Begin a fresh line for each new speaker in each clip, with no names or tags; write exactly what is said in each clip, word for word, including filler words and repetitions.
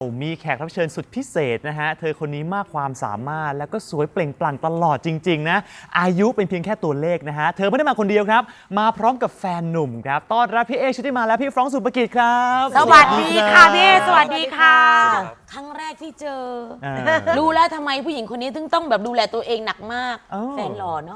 มีแขกรับเชิญสุดพิเศษนะฮะเธอคนนี้มากความสามารถแล้วก็สวยเปล่งปลั่งตลอดจริงๆนะอายุเป็นเพียงแค่ตัวเลขนะฮะเธอไม่ได้มาคนเดียวครับมาพร้อมกับแฟนหนุ่มครับต้อนรับพี่เอชุติมาและพี่ฟรองก์สุภกิจครับ
สวัสดีค่ะพี่เอสวัสดีค่ะครั้งแรกที่เจอรู้แล้วทำไมผู้หญิงคนนี้ถึงต้องแบบดูแลตัวเองหนักมากแฟนหล่อเนาะ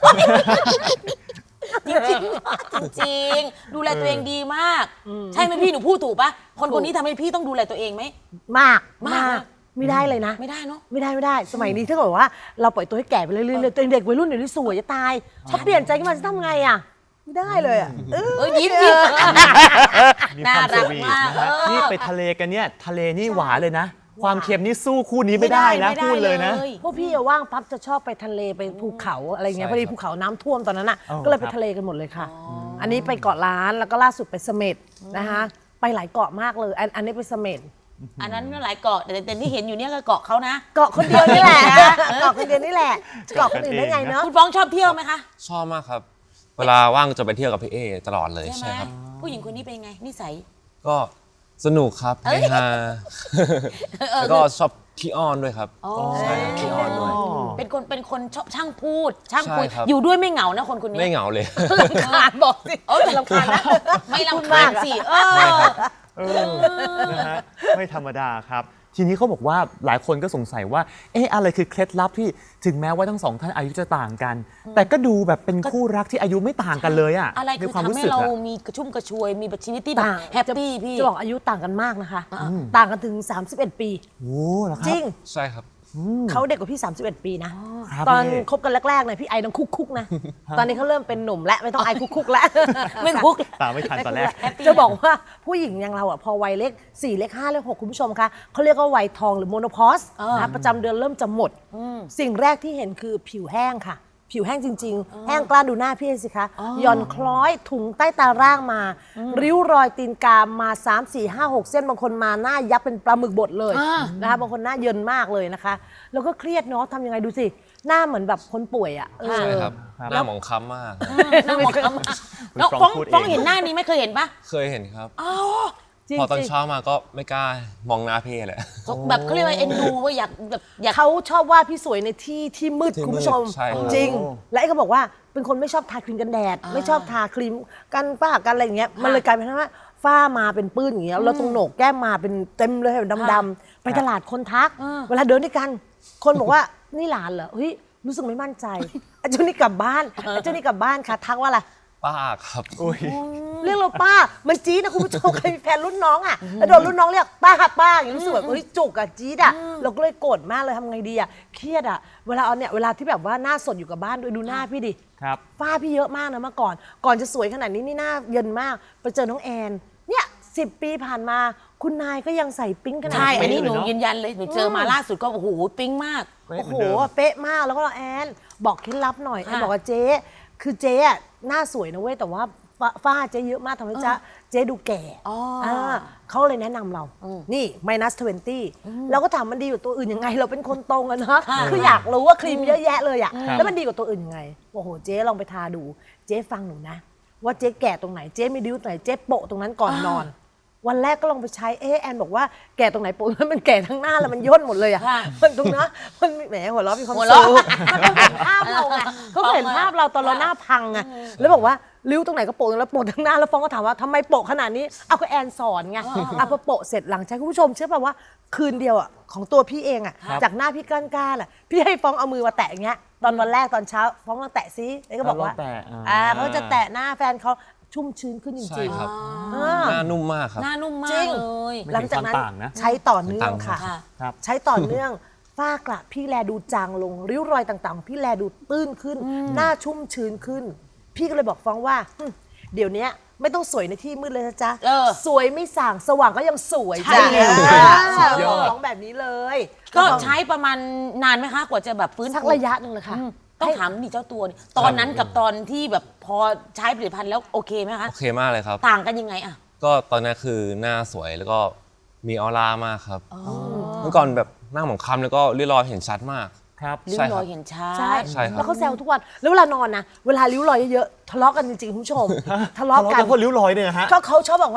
จริงจริงดูแลตัวเองดีมากใช่ไหมพี่หนูพูดถูกปะคนคนนี้ทำให้พี่ต้องดูแลตัวเองไหม
มากมากไม่ได้เลยนะ
ไม่ได้เนาะ
ไม่ได้ไม่ได้สมัยนี้ถ้าเกิดว่าเราปล่อยตัวให้แก่ไปเรื่อยๆตัวเด็กวัยรุ่นเดี๋ยวนี้สวยจะตายถ้าเปลี่ยนใจขึ้นมาจะทำไงอ่ะไม่ได้เลยอ่ะเออ
ยิ้มยิ้ม
น่ารักมากนี่ไปทะเลกันเนี่ยทะเลนี่หวานเลยนะความเค็มนี่สู้คู่นี้ไม่ได้นะพูดเลยนะ
พวกพี่ว่างปั๊บจะชอบไปทะเลไปภูเขาอะไรเงี้ยพอดีภูเขาน้ำท่วมตอนนั้นอ่ะก็เลยไปทะเลกันหมดเลยค่ะอันนี้ไปเกาะล้านแล้วก็ล่าสุดไปเสม็ดนะคะไปหลายเกาะมากเลยอันนี้ไปเสม็ด
อันนั้นหลายเกาะแต่แต่ที่เห็นอยู่เนี่ยก็เกาะเขานะ
เกาะคนเดียวนี่แหละเกาะคนเดียวนี่แหละเกาะคนอื่นได้ไงเนาะ
คุณฟ้องชอบเที่ยวไหมคะ
ชอบมากครับเวลาว่างจะไปเที่ยวกับพี่เอตลอดเลยใช่ครับ
ผู้หญิงคนนี้เป็นไงนิสัย
ก็สนุกครับเฮฮาแล้วก็ชอบขี้อ้อนด้วยครับใช่ขี้อ้อนด้วย
เป็นคนเป็นคนชอบช่างพูดช่างคุยอยู่ด้วยไม่เหงานะคนคนนี้
ไม่เหงาเลย
รำคาญบอกสิเออรำคาญนะไม่รำคาญสิเออ
นะฮะไม่ธรรมดาครับทีนี้เขาบอกว่าหลายคนก็สงสัยว่าเอ๊ะอะไรคือเคล็ดลับที่ถึงแม้ว่าทั้งสองท่านอายุจะต่างกันแต่ก็ดูแบบเป็นคู่รักที่อายุไม่ต่างกันเลยอะ
อะไรคือทำให้เรามีกระชุ่มกระชวยมีชีวิตที่แบบแฮปปี้พี่
จะบอกอายุต่างกันมากนะคะต่างกันถึงสามสิบเอ็ดปี
โอ้เหรอครับ
จริง
ใช่ครับ
เขาเด็กกว่าพี่สามสิบเอ็ดปีนะตอนคบกันแรกๆเนี่ยพี่ไอต้องคุกคุกนะตอนนี้เขาเริ่มเป็นหนุ่มและไม่ต้องไอคุกคุกแล้ว
ไม่คุก
ตามไม่ทันตอนแรก
จะบอกว่าผู้หญิงอย่างเราอ่ะพอวัยเลขสี่เลขห้าเลขหกคุณผู้ชมคะเขาเรียกว่าวัยทองหรือโมโนพอสนะประจำเดือนเริ่มจะหมดสิ่งแรกที่เห็นคือผิวแห้งค่ะผิวแห้งจริงๆแห้งกล้านดูหน้าพี่สิคะหย่อนคล้อยถุงใต้ตาร่างมาริ้วรอยตีนกามมาสาม สี่ ห้า หกเส้นบางคนมาหน้ายับเป็นปลาหมึกบดเลยนะคะบางคนหน้าเยินมากเลยนะคะแล้วก็เครียดเนาะทำยังไงดูสิหน้าเหมือนแบบคนป่วยอ่ะ
ใช่ครับหน้าหมองคล้ำมาก
หน้าหมองคล้ำแล้วฟ้องฟ้องเห็นหน้านี้ไม่เคยเห็นปะ
เคยเห็นครับพอตอนเช้ามาก็ไม่กล้ามองหน้าพี่เลย
แบบเขาเรียกว่าเอ็นดูว่าอยากแบบอยาก
เขาชอบว่าพี่สวยในที่ที่มืดคุณผู้ชมจริงและไอ้เขาบอกว่าเป็นคนไม่ชอบทาครีมกันแดดไม่ชอบทาครีมกันฝ้ากันอะไรอย่างเงี้ยมันเลยกลายเป็นว่าฝ้ามาเป็นปื้นอย่างเงี้ยแล้วตรงโหนกแก้มมาเป็นเต็มเลยดำๆไปตลาดคนทักเวลาเดินด้วยกันคนบอกว่านี่หลานเหรอเฮ้ยรู้สึกไม่มั่นใจไอ้เจ้านี่กลับบ้านไอ้เจ้านี่กลับบ้านค่ะทักว่าอะไร
ป้าครับ
เรียกเราป้ามันจี๊ดนะคุณผู้ชมเคยมีแฟนรุ่นน้องอ่ะแล้วโดนรุ่นน้องเรียกป้าป้าอย่างนี้รู้สึกแบบเฮ้ยจุกอ่ะจี๊ดอ่ะเราก็เลยโกรธมากเลยทำไงดีอ่ะเครียดอ่ะเวลาเอาเนี่ยเวลาที่แบบว่าหน้าสดอยู่กับบ้านด้วยดูหน้าพี่ดิ
ครับ
ฝ้าพี่เยอะมากนะเมื่อก่อนก่อนจะสวยขนาดนี้นี่หน้าเยินมากไปเจอน้องแอนเนี่ยสิบปีผ่านมาคุณนายก็ยังใส่ปิ๊งขนาดนี้
ใช่อันนี้หนูยืนยันเลยหนูเจอมาล่าสุดก็โอ้โหปิ๊งมาก
โอ้โหเป๊ะมากแล้วก็แอนบอกเคล็ดลับหน่อยแอนบอกว่าเจ๊คือเจ๊อะหน้าสวยนะเว้ยแต่ว่าฝ้าเจ๊เยอะมากทำให้เจ๊เจ๊ดูแก่เขาเลยแนะนำเรานี่ minus ยี่สิบเราก็ถามมันดีกว่าตัวอื่นยังไงเราเป็นคนตรงอะเนาะคืออยากรู้ว่าครีมเยอะแยะเลยอะแล้วมันดีกว่าตัวอื่นยังไงโอ้โหเจ๊ลองไปทาดูเจ๊ฟังหนูนะว่าเจ๊แก่ตรงไหนเจ๊มีดิ้วตรงไหนเจ๊โปะตรงนั้นก่อนนอนวันแรกก็ลองไปใช้เออแอนบอกว่าแก่ตรงไหนโปะมันแก่ทั้งหน้าแล้วมันย่นหมดเลยอะมันตรงนั้นมันแหมหัวเราะมีความสุขมันต้องเห็นภาพเราไงเขาเห็นภาพเราตอนเราหน้าพังไงแล้วบอกว่าริ้วตรงไหนก็โปะแล้วโปะทั้งหน้าแล้วฟ้องก็ถามว่าทำไมโปะขนาดนี้เอาก็แอนสอนไงเอาพอโปะเสร็จหลังจากคุณผู้ชมเชื่อป่ะว่าคืนเดียวอะของตัวพี่เองอะจากหน้าพี่ก้านๆอะพี่ให้ฟ้องเอามือมาแตะอย่างเงี้ยตอนวันแรกตอนเช้าฟ้องมาแตะซิแล้วก็บอกว่าอ่าเขาจะแตะหน้าแฟนเขาชุ่มชื้นขึ้นจริงๆ
ครับหน้านุ่มมากครับ
หน้านุ่มมากเลย
หลังจากนั้นใช้ต่อเนื่องค่ะใช้ต่อเนื่องฝ้ากระพี่แลดูจางลงริ้วรอยต่างๆพี่แลดูตื้นขึ้นหน้าชุ่มชื้นขึ้นพี่ก็เลยบอกฟ้องว่าเดี๋ยวนี้ไม่ต้องสวยในที่มืดเลยนะจ๊ะสวยไม่ส่างสว่างก็ยังสวยจ้ะฟ้องแบบนี้เลย
ก็ใช้ประมาณนานไหมคะกว่าจะแบบฟื้น
สักระยะหนึ่งเลยค่ะ
ต้องถามนี่เจ้าตัวตอนนั้นกับตอนที่แบบพอใช้ผลิตภัณฑ์แล้วโอเคไหมคะ
โอเคมากเลยครับ
ต่างกันยังไงอะ
ก็ตอนนั้นคือหน้าสวยแล้วก็มีออร่ามากครับเมื่อก่อนแบบหน้าหมองคล้ำแล้วก็ริ้วรอยเห็นชัดมาก
ครับริ้วรอยเห็นชัด
ใช่แล้วเขาแซวทุกวันแล้วเวลานอนนะเวลาริ้วรอยเยอะๆทะเลาะกันจริงๆคุณผู้ชมทะเลาะกัน
เพราะริ้วรอยเนี่ยฮะ
ก็เขาชอบบอกว่า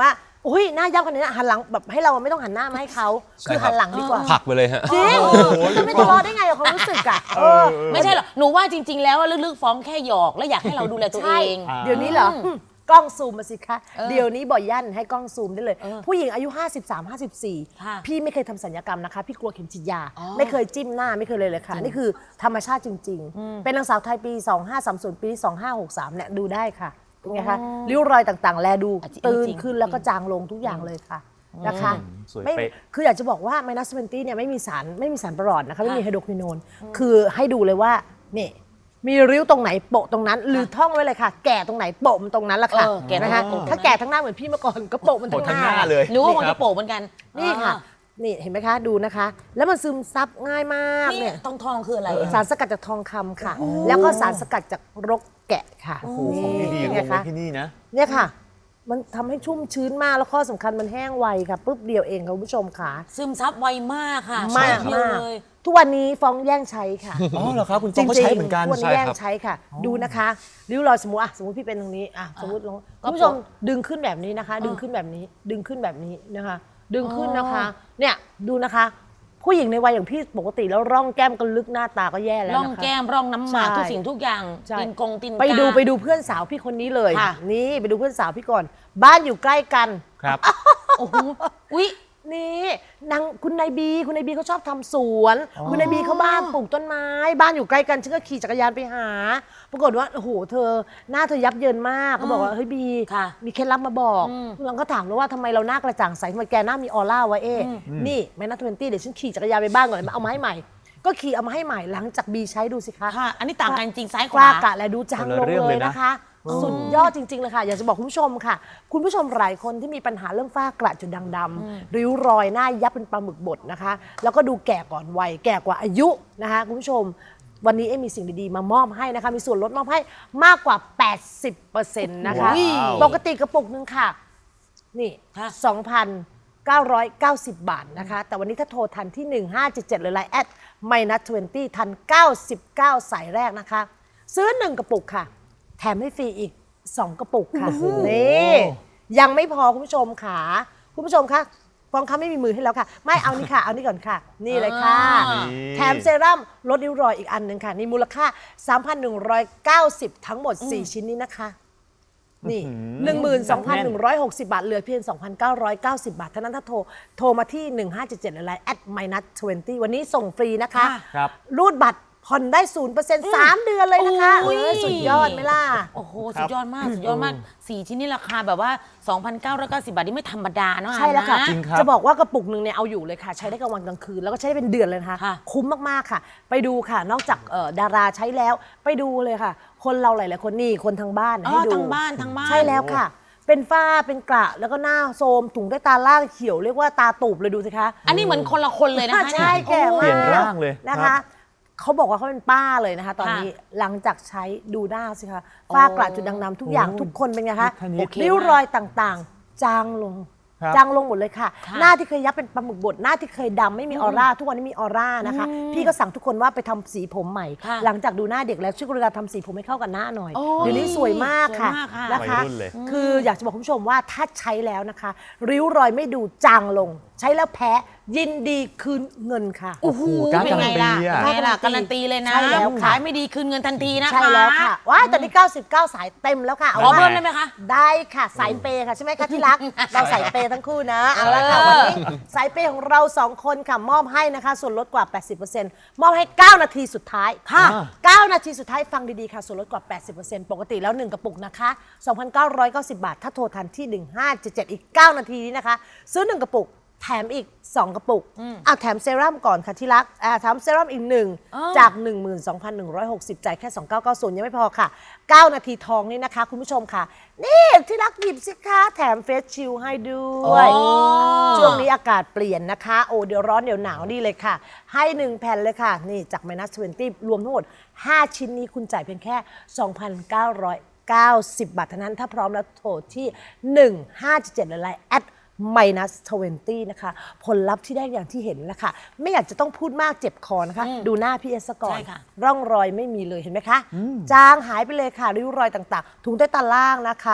อุ้ยหน้ายับขนาดนี้หันหลังแบบให้เราไม่ต้องหันหน้ามาให้เขา
ใช่
คือ
ครับ
หันหลังดีกว่า
ผลักไปเลยฮะ
จริงจะไม่ทะเลาะได้ไงกับความรู้สึกอ่ะเออ
ไม่ใช่หรอกหนูว่าจริง ๆ แล้วว่าลึกๆฟ้องแค่หยอกแล้วอยากให้เราดูแลตัวเอ
ใช่
ง
อ่า
เดี๋ยวนี้เหรออืมกล้องซูมมาสิคะ
เออ
เดี๋ยวนี้บ่อยยั่นให้กล้องซูมได้เลย
เออ
ผู้หญิงอายุ ห้าสิบสาม ห้าสิบสี่
ค่ะ
พี่ไม่เคยทำศัลยกรรมนะคะ พี่กลัวเข็มฉีดยา
อ๋อ
ไม่เคยจิ้มหน้าไม่เคยเลยเลยค่ะ นี่คือธรรมชาติจริง ๆ เป็นนางสาวไทยปี สองห้าสามศูนย์ ปีสองห้าหกสามเนี่ยดูได้ค่ะเป็นไงคะริ้วรอยต่างๆ แลดู
อ่ะจริง
ตื่น
จริง
ขึ้นแล้วก็จางลงทุกอย่างเลยค่ะนะคะ
สวย
ไม่
เป๊ะ
คืออยากจะบอกว่าไมนัสเวนตี้เนี่ยไม่มีสารไม่มีสารประหลอดนะคะไม่มีไฮโดรควินโนนคือให้ดูเลยว่านี่มีริ้วตรงไหนโปะตรงนั้น หรือท่องไว้เลยค่ะ แก่ตรงไหนโปะมันตรงนั้นละค่ะ
เออแก่ตรงไหน
นะคะ
โปะตรงนั้น
ถ้าแก่ทั้งหน้าเหมือนพี่เมื่อก่อนก็โปะมัน
โปะทั้
ทั้
ง
ง
ห
ห
น้า
น้า
เลย
หนูว่าคง
ครั
จะ
บ
โปะเหมือนกัน
นี่ค่ะ นี่เห็นไหมคะดูนะคะ แล้วมันซึมซับง่ายมาก
นี่
เนี่ย
ทองทองๆคืออะไรอะ
สารสกัดจากทองคำค่ะ แล้วก็สารสกัดจากรกแกะค่ะ
โอ้โหของดีๆ
เป็น
ร
ไง
วมไว้
คะ
ที่นี่นะ
เนี่ยค่ะ มันทำให้ชุ่มชื้นมากแล้วข้อสำคัญมันแห้งไวค่ะปุ๊บเดียวเองค่ะคุณผู้ชมค่ะ
ซึมซับไวมากค่ะ
มาก
เดียว
มาก
เลย
ทุกวันนี้ฟ้องแย่งใช้ค่ะ
อ๋อเหรอครับคุณฟองก็ใช้เหมือนกัน
ทุกวันนี้
ใช่
แย่ง
ครับ
ใช้ค่ะ ดูนะคะริ้วรอยสมมติอ่ะสมมติพี่เป็นตรงนี้อ่ะสมมติลงคุณผู้ชมดึงขึ้นแบบนี้นะคะ ดึงขึ้นแบบนี้ ดึงขึ้นแบบนี้นะคะ ดึงขึ้นนะคะ เนี่ยดูนะคะ ผู้หญิงในวัยอย่างพี่ปกติแล้วร่องแก้มก็ลึกหน้าตาก็แย่แล้ว
ร่อง
นะคะ
แก้มร่องน้ำหมาก
ใช่
ทุกสิ่งทุกอย่าง
ใช่
ตินกงตินกา
ไปดูไปดูเพื่อนสาวพี่คนนี้เลย
ค่ะ
นี่ไปดูเพื่อนสาวพี่ก่อน บ้านอยู่ใกล้กัน
ครับ
โอ้โหอุ๊ย
นี่นางคุณนายบีคุณนายบีเขาชอบทำสวน คุณนายบีเขาบ้านปลูกต้นไม้ บ้านอยู่ใกล้กันฉันก็ขี่จักรยานไปหา ปรากฏว่าโอ้โหเธอหน้าเธอยับเยินมากเขาบอกว่าเฮ้ยบี
ค่ะ
มีเคล็ดลับมาบอกเราก็ถามแล้วว่าทำไมเราหน้ากระจ่างใสทำไมแกหน้ามีออร่าวะเอ๊ะนี่แม่นัทเวนตี้เดี๋ยวฉันขี่จักรยานไปบ้านก่อนเลยมาเอามาให้ใหม่ ก็ขี่เอามาให้ใหม่หลังจากบีใช้ดูสิคะ
ค่ะ อันนี้ต่างกันจริงซ้ายข
กล้าว
า
กะและดูจางลง
คนละเรื่อง
เล
เลย ยนะ
นะคะ สุดยอดจริง ๆ เลยค่ะ อยากจะบอกคุณผู้ชมค่ะ คุณผู้ชมหลายคนที่มีปัญหาเรื่องฝ้ากระจุดด่างดำริ้วรอยหน้ายับเป็นปลาหมึกบดนะคะ แล้วก็ดูแก่ก่อนวัยแก่กว่าอายุนะคะคุณผู้ชม วันนี้เอ็มมีสิ่งดีๆ มามอบให้นะคะ มีส่วนลดมอบให้มากกว่า แปดสิบเปอร์เซ็นต์ นะคะ
ว้าว
ปกติกระปุกหนึงค่ะ นี่
ค่ะ
สองพันเก้าร้อยเก้าสิบบาทนะคะ แต่วันนี้ถ้าโทรทันที่ หนึ่งห้าเจ็ดเจ็ด หรือไลน์แอด minus ยี่สิบทัน เก้าสิบเก้า สายแรกนะคะ ซื้อ หนึ่ง กระปุกค่ะ แถมให้ฟรีอีก สอง กระปุกค่ะ นี่ยังไม่พอคุณผู้ชมค่ะ คุณผู้ชมคะฟองเขาไม่มีมือให้แล้วค่ะ ไม่เอานี่ค่ะ เอานี่ก่อนค่ะ นี่เลยค่ะ
อ่า
แถมเซรั่มลดริ้วรอยอีกอันหนึ่งค่ะ นี่มูลค่า สามพันหนึ่งร้อยเก้าสิบ ทั้งหมด สี่ ชิ้นนี้นะคะ นี่ หนึ่งหมื่นสองพันหนึ่งร้อยหกสิบ บาท เหลือเพียง สองพันเก้าร้อยเก้าสิบ บาทเท่านั้นถ้าโทร โทรมาที่ หนึ่งห้าเจ็ดเจ็ด หรือไลน์ แอด minus ยี่สิบ วันนี้ส่งฟรีนะคะ
ครับ
รูดบัตรผ่อนได้ ศูนย์เปอร์เซ็นต์ สาม เดือนเลยนะคะ
อุ้ย
เออสุดยอดไหมล่ะ
โอ้โห สุดยอดมาก สุดยอดมาก สี่ชิ้นนี่ราคาแบบว่า สองพันเก้าร้อยเก้าสิบ บาท นี่ไม่ธรรมดาเนาะ
ใช่แล้วค่ะ
นะ
จริงครับ
จะบอกว่ากระปุกหนึ่งเนี่ยเอาอยู่เลยค่ะ ใช้ได้กลางวันกลางคืน แล้วก็ใช้ได้เป็นเดือนเลยนะคะ
ค่ะ
คุ้มมาก ๆ ค่ะ ไปดูค่ะ นอกจากเอ่อดาราใช้แล้ว ไปดูเลยค่ะ คนเราหลาย ๆ คนนี่คนทางบ้าน
อ๋อ
ให้ดู
ทางบ้านทางบ้าน
ใช่แล้วค่ะ เป็นฝ้าเป็นกระแล้วก็หน้าโทรมถุงใต้ตาล่างเขียวเรียกว่าตาตูบเลยดูสิคะ
อันนี้เหมือนคนละคนเลยนะคะ
ใช่
เนี่ย
แก่
เปลี่
มาย
น
ก
ร่างเลย
นะ
ครั
คะ
บ
เขาบอกว่าเขาเป็นป้าเลยนะคะ ตอนนี้หลังจากใช้ดูหน้าสิคะฝ้ากระจุดด่างดำทุกอย่างทุกคนเป็นไงคะ
ท่านนี้
โอเค
ริ้วรอยต่างๆ จางลง
ครับ
จางลงหมดเลยค่ะ
ค่ะ
หน้าที่เคยยับเป็นปลาหมึกบดหน้าที่เคยดำไม่มีออร่า ทุกวันนี้มีออร่านะคะ พี่ก็สั่งทุกคนว่าไปทำสีผมใหม่
ค่ะ
หลังจากดูหน้าเด็กแล้วช่วยกรุณาทำสีผมให้เข้ากับหน้าหน่อย
โอ้
เดี๋ยวนี้สวยมากค่ะ
สวยมากค่ะ
นะคะ
วัยรุ่นเลย
คืออยากจะบอกคุณผู้ชมว่าถ้าใช้แล้วนะคะ ริ้วรอยไม่ดูจางลง ใช้แล้วแพ้ยินดีคืนเงินค่ะ
โอ้โห
กล้า
เป็นไงล่ะ
การันตีอะ
เป็นไงล่ะการันตีเลยนะ
ใช่แล้วค่ะ
ขายไม่ดีคืนเงินทันทีนะคะ
ใช่แล้วค่ะว้ายตอนนี้เก้าสิบเก้า สายเต็มแล้วค่ะ
ขอ
ว่า
เพิ่มได้ไหมคะ
ได้ค่ะสายเปย์ค่ะใช่ไหมคะที่รัก เราสายเปย์ทั้งคู่นะเอาละค่ะ
เออ
วันนี้สายเปย์ของเราสองคนค่ะมอบให้นะคะ ส่วนลดกว่า แปดสิบเปอร์เซ็นต์ มอบให้ เก้า นาทีสุดท้าย
ค่ะ
เก้า นาทีสุดท้ายฟังดีๆค่ะส่วนลดกว่า แปดสิบเปอร์เซ็นต์ ปกติแล้ว หนึ่ง กระปุกนะคะ สองพันเก้าร้อยเก้าสิบ บาท ถ้าโทรทันที่ หนึ่งห้าเจ็ดเจ็ด อีก เก้า นาทีนี้นะคะ ซื้อ หนึ่ง กระปุกแถมอีก สอง กระปุกอ่ะแถมเซรั่มก่อนค่ะที่รักอ่ะแถมเซรั่มอีกหนึ่ง
อ๋อ
จาก หนึ่งหมื่นสองพันหนึ่งร้อยหกสิบ จ่ายแค่ สองพันเก้าร้อยเก้าสิบ ยังไม่พอค่ะ เก้า นาทีทองนี่นะคะ คุณผู้ชมค่ะ นี่ที่รักหยิบสิคะแถมเฟสชิลให้ด้วย
โอ้
ช่วงนี้อากาศเปลี่ยนนะคะ โอ้เดี๋ยวร้อนเดี๋ยวหนาวนี่เลยค่ะ ให้หนึ่งแผ่นเลยค่ะ นี่จาก minus ยี่สิบ รวมทั้งหมด ห้า ชิ้นนี้คุณจ่ายเพียงแค่ สองพันเก้าร้อยเก้าสิบ บาทเท่านั้น ถ้าพร้อมแล้วโทรที่ หนึ่งห้าเจ็ดเจ็ด หรือไลน์ แอด minus ยี่สิบ นะคะ ผลลัพธ์ที่ได้อย่างที่เห็นแล้วค่ะ ไม่อยากจะต้องพูดมากเจ็บคอนะคะ ดูหน้าพี่เอสก่อน
ใช่ค่ะ
ร่องรอยไม่มีเลยเห็นไหมคะ จางหายไปเลยค่ะ ริ้วรอยต่างๆ ถุงใต้ตาล่างนะคะ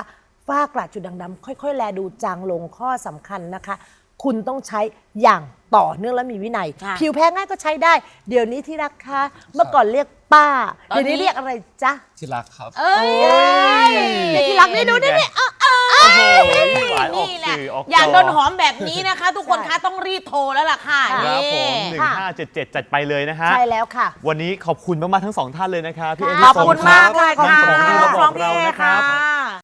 ฝ้ากระจุดด่างดำค่อยๆ แลดูจางลงข้อสำคัญนะคะ คุณต้องใช้อย่างต่อเนื่องและมีวินัย
ค่ะ
ผิวแพ้ง่ายก็ใช้ได้ เดี๋ยวนี้ที่รักคะเมื่อก่อนเรียกป้า
ตอนนี้
เดี๋ยวนี้เรียกอะไรจ๊ะ
ที่รักครับ
เอ้ย
เดี๋ยวที่รักนี่ดูนี่นี่อ่ะ
โอ้โหหวานออก
นี่แหละ
สื่อออกจ
อยากโดนหอมแบบนี้นะคะ ทุกคนคะต้องรีบโทรแล้วล่ะค่ะ
ครับผม
นี่
หนึ่งห้าเจ็ดเจ็ดจัดไปเลยนะฮะ
ใช่แล้วค่ะ
วันนี้ขอบคุณมากๆทั้งสองท่านเลยนะครับพี่เอ
ขอบคุณมากเลย
ขอบ
ค่ะ
คุณที่มาบอกเรานะครับ
ค่ะ